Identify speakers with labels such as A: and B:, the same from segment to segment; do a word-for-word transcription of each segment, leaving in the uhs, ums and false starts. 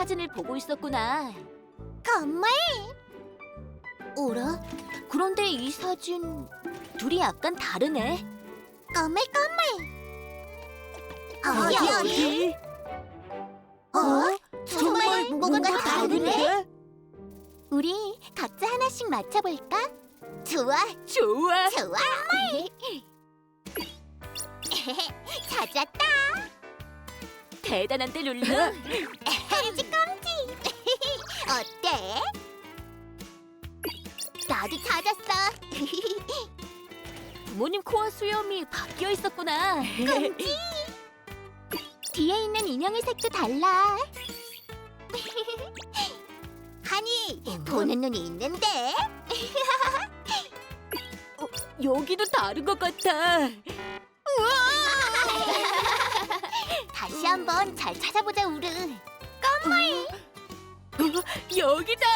A: 사진을 보고 있었구나.
B: 정말? 어라?
A: 그런데 이 사진 둘이 약간 다르네.
B: 꼬물꼬물.
A: 어디,
B: 어디
A: 어디?
B: 어? 정말 뭔가 다른데?
A: 우리 각자 하나씩 맞춰볼까?
B: 좋아,
A: 좋아.
B: 좋아. 찾았다.
A: 대단한데 룰루.
B: 깜찍깜찍. 어때? 나도 찾았어.
A: 부모님 코와 수염이 바뀌어 있었구나.
B: 뒤에 있는 인형의 색도 달라. 하니, 보는 눈이 있는데?
A: 여기도 다른 것 같아.
B: 다시 한번 잘 찾아보자, 우르.
A: 어, 여기다.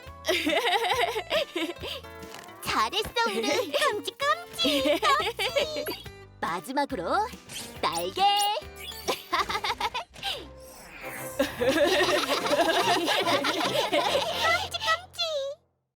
B: 잘했어, 우르. 깜찍깜찍.
A: 마지막으로 날개.